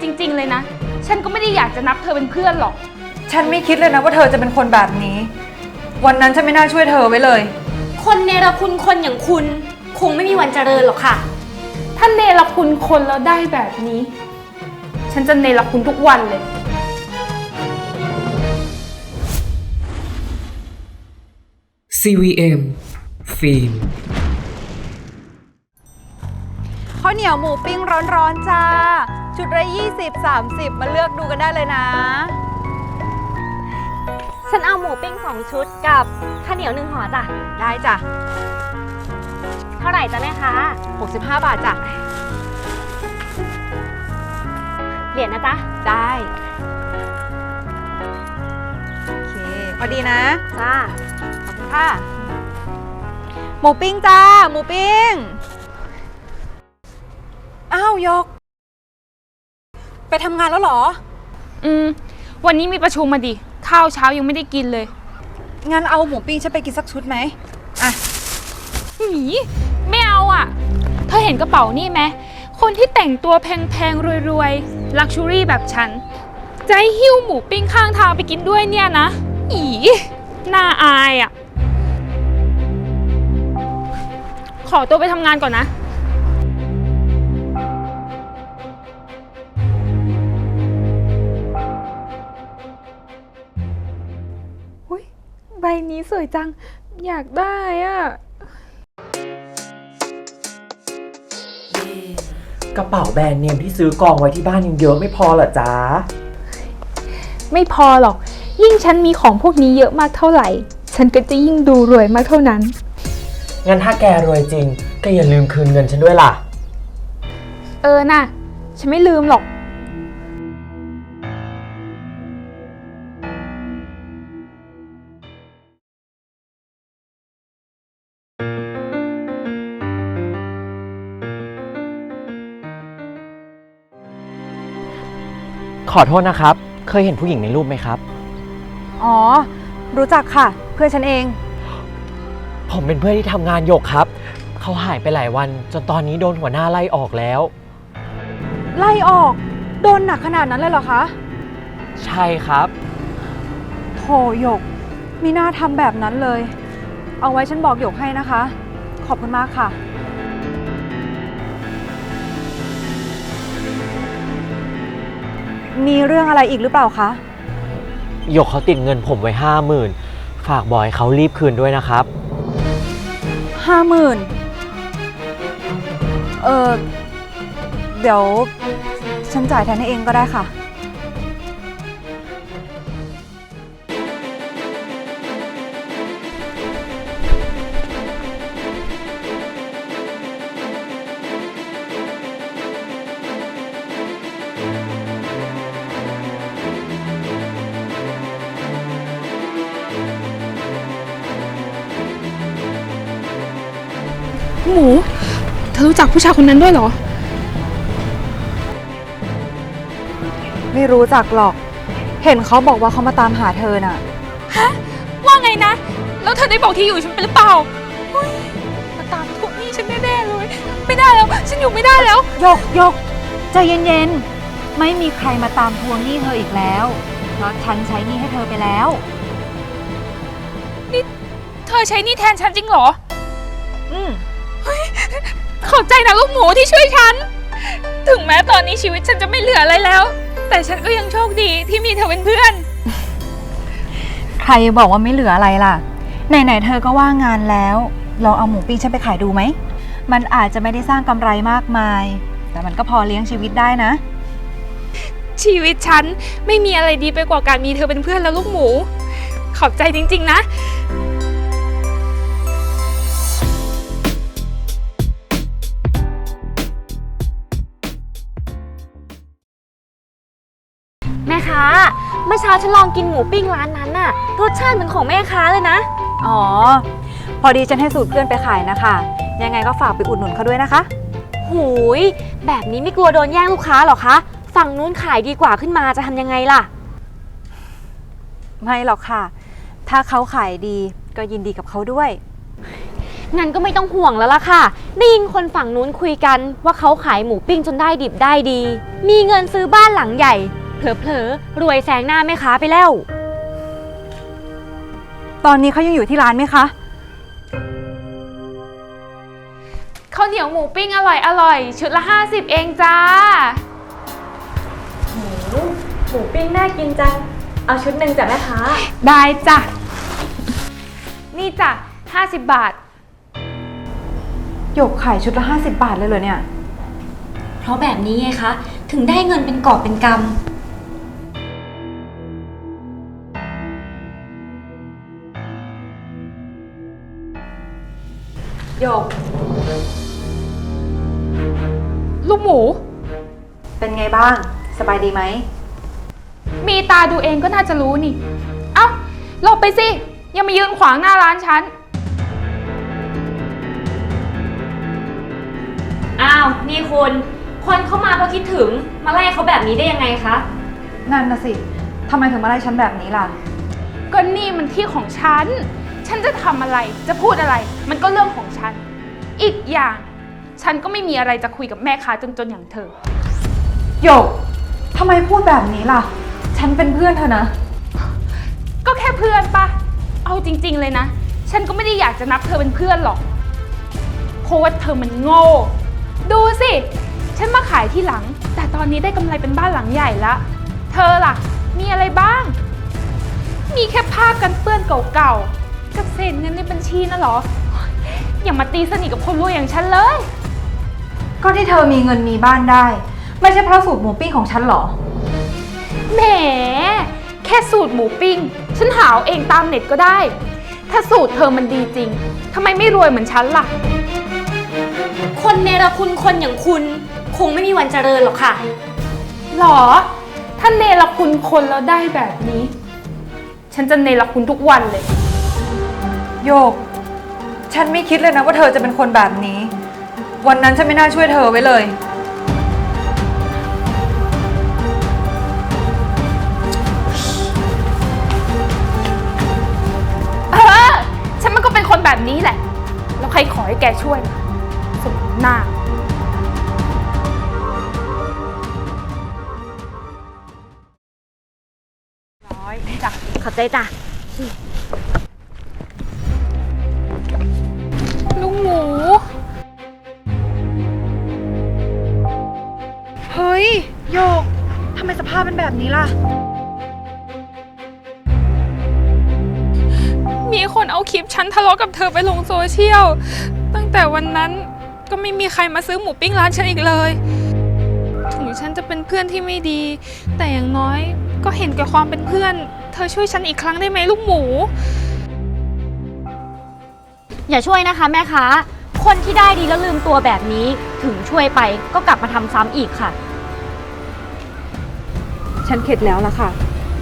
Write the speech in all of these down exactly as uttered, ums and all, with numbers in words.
จริงๆเลยนะฉันก็ไม่ได้อยากจะนับเธอเป็นเพื่อนหรอกฉันไม่คิดเลยนะว่าเธอจะเป็นคนแบบนี้วันนั้นฉันไม่น่าช่วยเธอไว้เลยคนเนรคุณคนอย่างคุณคงไม่มีวันเจริญหรอกค่ะถ้าเนรคุณคนแล้วได้แบบนี้ฉันจะเนรคุณทุกวันเลยซี วี เอ็ม ฟิล์มข้าวเหนียวหมูปิ้งร้อนๆจ้าชุดละยี่สิบ สามสิบมาเลือกดูกันได้เลยนะฉันเอาหมูปิ้งสองชุดกับข้าวเหนียวหนึ่งห่อจ้ะได้จ้ะเท่าไหร่จ้ะแม่คะหกสิบห้าบาทจ้ะเหรียญนะจ๊ะได้โอเคพอดีนะจ้าขอบคุณค่ะหมูปิ้งจ้าหมูปิ้งอ้าวยกไปทำงานแล้วเหรออืมวันนี้มีประชุมมาดิข้าวเช้ายังไม่ได้กินเลยงั้นเอาหมูปิ้งฉันไปกินสักชุดไหมอ่ะหนีไม่เอาอ่ะเธอเห็นกระเป๋านี่ไหมคนที่แต่งตัวแพงๆรวยๆลักชัวรี่แบบฉันจะให้หิ้วหมูปิ้งข้างทางไปกินด้วยเนี่ยนะอีน่าอายอ่ะขอตัวไปทำงานก่อนนะอุ๊ยใบนี้สวยจังอยากได้อ่ะกระเป๋าแบรนด์เนมที่ซื้อกองไว้ที่บ้านยังเยอะไม่พอเหรอจ๊ะไม่พอหรอกยิ่งฉันมีของพวกนี้เยอะมากเท่าไหร่ฉันก็จะยิ่งดูรวยมากเท่านั้นงั้นถ้าแกรวยจริงก็อย่าลืมคืนเงินฉันด้วยล่ะเออน่ะฉันไม่ลืมหรอกขอโทษนะครับ เคยเห็นผู้หญิงในรูปไหมครับอ๋อรู้จักค่ะเพื่อนฉันเองผมเป็นเพื่อนที่ทำงานหยกครับเขาหายไปหลายวันจนตอนนี้โดนหัวหน้าไล่ออกแล้วไล่ออกโดนหนักขนาดนั้นเลยเหรอคะใช่ครับโถหยกมีหน้าทำแบบนั้นเลยเอาไว้ฉันบอกหยกให้นะคะขอบคุณมากค่ะมีเรื่องอะไรอีกหรือเปล่าคะหยกเขาติดเงินผมไว้ห้าหมื่นฝากบอยเขารีบคืนด้วยนะครับห้าหมื่นเออเดี๋ยวฉันจ่ายแทนให้เองก็ได้ค่ะหมูเธอรู้จักผู้ชายคนนั้นด้วยเหรอไม่รู้จักหรอกเห็นเขาบอกว่าเขามาตามหาเธอน่ะฮะว่าไงนะแล้วเธอได้บอกที่อยู่ฉันไปหรือเปล่ามาตามทวงหนี้ฉันแน่ๆเลยไม่ได้แล้วฉันอยู่ไม่ได้แล้วยกยกใจเย็นๆไม่มีใครมาตามทวงหนี้เธออีกแล้วเพราะฉันใช้หนี้ให้เธอไปแล้วนี่เธอใช้หนี้แทนฉันจริงเหรออืมขอบใจนะลูกหมูที่ช่วยฉันถึงแม้ตอนนี้ชีวิตฉันจะไม่เหลืออะไรแล้วแต่ฉันก็ยังโชคดีที่มีเธอเป็นเพื่อนใครบอกว่าไม่เหลืออะไรล่ะไหนๆเธอก็ว่างงานแล้วลองเอาหมูปิ้งฉันไปขายดูไหมมันอาจจะไม่ได้สร้างกำไรมากมายแต่มันก็พอเลี้ยงชีวิตได้นะชีวิตฉันไม่มีอะไรดีไปกว่าการมีเธอเป็นเพื่อนแล้วลูกหมูขอบใจจริงๆนะแม่ค้าเมื่อเช้าฉันลองกินหมูปิ้งร้านนั้นน่ะรสชาติเหมือนของแม่ค้าเลยนะอ๋อพอดีฉันให้สูตรเพื่อนไปขายนะคะยังไงก็ฝากไปอุดหนุนเขาด้วยนะคะหูยแบบนี้ไม่กลัวโดนแย่งลูกค้าหรอคะฝั่งนู้นขายดีกว่าขึ้นมาจะทำยังไงล่ะไม่หรอกค่ะถ้าเขาขายดีก็ยินดีกับเขาด้วยงั้นก็ไม่ต้องห่วงแล้วล่ะค่ะ ได้ยินคนฝั่งนู้นคุยกันว่าเขาขายหมูปิ้งจนได้ดิบได้ดี มีเงินซื้อบ้านหลังใหญ่ เผลอๆ รวยแซงหน้าแม่ค้าไปแล้วตอนนี้เขายังอยู่ที่ร้านไหมคะข้าวเหนียวหมูปิ้งอร่อยอร่อยชุดละห้าสิบเองจ้าหมูปิ้งน่ากินจัง เอาชุดหนึ่งจ้ะแม่ค้าได้จ้ะ นี่จ้ะห้าสิบบาทหยกขายชุดละห้าสิบบาทเลยเหรอเนี่ยเพราะแบบนี้ไงคะ ถึงได้เงินเป็นกอบเป็นกำหยกลูกหมูเป็นไงบ้าง สบายดีไหมมีตาดูเองก็น่าจะรู้นี่ เอ้าหลบไปสิ ยังมายืนขวางหน้าร้านฉันอ้าว นี่คุณ คนเข้ามาเพราะคิดถึง มาไล่เขาแบบนี้ได้ยังไงคะนั่นนะสิ ทำไมถึงมาไล่ฉันแบบนี้ล่ะก็นี่มันที่ของฉัน ฉันจะทำอะไร จะพูดอะไร มันก็เรื่องของฉัน อีกอย่าง ฉันก็ไม่มีอะไรจะคุยกับแม่ค้าจนๆอย่างเธอหยก ทำไมพูดแบบนี้ล่ะ ฉันเป็นเพื่อนเธอนะก็แค่เพื่อนปะ เอาจริงๆเลยนะ ฉันก็ไม่ได้อยากจะนับเธอเป็นเพื่อนหรอก เพราะว่าเธอมันโง่ ดูสิ ฉันมาขายที่หลัง แต่ตอนนี้ได้กำไรเป็นบ้านหลังใหญ่ละ เธอล่ะ มีอะไรบ้าง มีแค่ผ้ากันเปื้อนเก่าๆ กับเศษเงินในบัญชีน่ะเหรอ อย่ามาตีสนิทกับคนรวยอย่างฉันเลยก็ที่เธอมีเงินมีบ้านได้ ไม่ใช่เพราะสูตรหมูปิ้งของฉันหรอแหม แค่สูตรหมูปิ้ง ฉันหาเอาเองตามเน็ตก็ได้ ถ้าสูตรเธอมันดีจริง ทำไมไม่รวยเหมือนฉันล่ะคนเนรคุณคนอย่างคุณ คงไม่มีวันเจริญหรอกค่ะหรอ ถ้าเนรคุณคนแล้วได้แบบนี้ ฉันจะเนรคุณทุกวันเลยโยก ฉันไม่คิดเลยนะว่าเธอจะเป็นคนแบบนี้ วันนั้นฉันไม่น่าช่วยเธอไว้เลยเออ ฉันมันก็เป็นคนแบบนี้แหละ แล้วใครขอให้แกช่วยล่ะสมหน้าร้อยจ้ะขอบใจจ้ะลูกหมูเฮ้ย โยก ทำไมสภาพเป็นแบบนี้ล่ะมีคนเอาคลิปฉันทะเลาะกับเธอไปลงโซเชียล ตั้งแต่วันนั้นก็ไม่มีใครมาซื้อหมูปิ้งร้านฉันอีกเลย ถึงฉันจะเป็นเพื่อนที่ไม่ดี แต่อย่างน้อยก็เห็นแก่ความเป็นเพื่อน เธอช่วยฉันอีกครั้งได้ไหมลูกหมูอย่าช่วยนะคะแม่ค้า คนที่ได้ดีแล้วลืมตัวแบบนี้ ถึงช่วยไปก็กลับมาทำซ้ำอีกค่ะฉันเข็ดแล้วล่ะค่ะ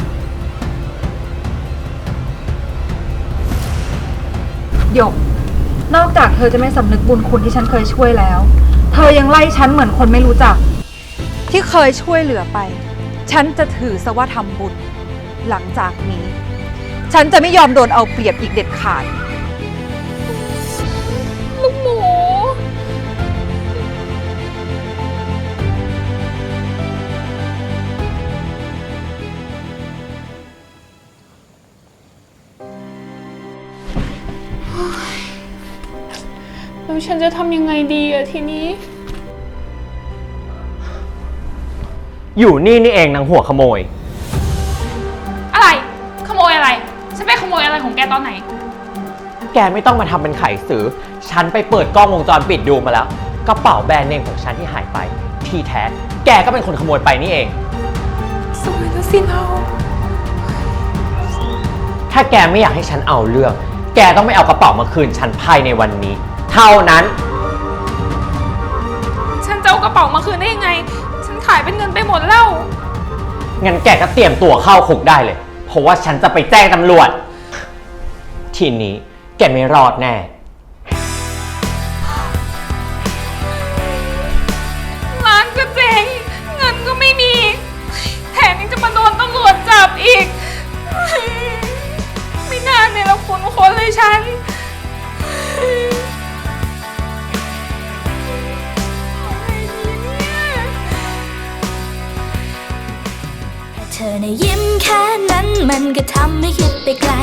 หยก นอกจากเธอจะไม่สำนึกบุญคุณที่ฉันเคยช่วยแล้ว เธอยังไล่ฉันเหมือนคนไม่รู้จัก ที่เคยช่วยเหลือไป ฉันจะถือซะว่าทำบุญ หลังจากนี้ ฉันจะไม่ยอมโดนเอาเปรียบอีกเด็ดขาดลูกหมู แล้วฉันจะทำยังไงดีอะทีนี้อยู่นี่นี่เองนางหัวขโมยอะไร ขโมยอะไร ฉันไปขโมยอะไรของแกตอนไหนแกไม่ต้องมาทำเป็นไขสือ ฉันไปเปิดกล้องวงจรปิดดูมาแล้ว กระเป๋าแบรนด์เนมของฉันที่หายไป ที่แท้ แกก็เป็นคนขโมยไปนี่เองสวยแล้วสิเราถ้าแกไม่อยากให้ฉันเอาเรื่อง แกต้องไม่เอากระเป๋ามาคืนฉันภายในวันนี้ เท่านั้นฉันจะเอากระเป๋ามาคืนได้ยังไง ฉันขายเป็นเงินไปหมดแล้วงั้นแกก็เตรียมตัวเข้าคุกได้เลย เพราะว่าฉันจะไปแจ้งตำรวจ ทีนี้แกไม่รอดแน่ร้านก็เจ๊ง เงินก็ไม่มี แถมยังจะมาโดนตำรวจจับอีก ไม่น่าเนี่ยเราคุณคนเลยฉันเธอในะยิ้มแค่นั้นมันก็ทำให้คิดไปไกล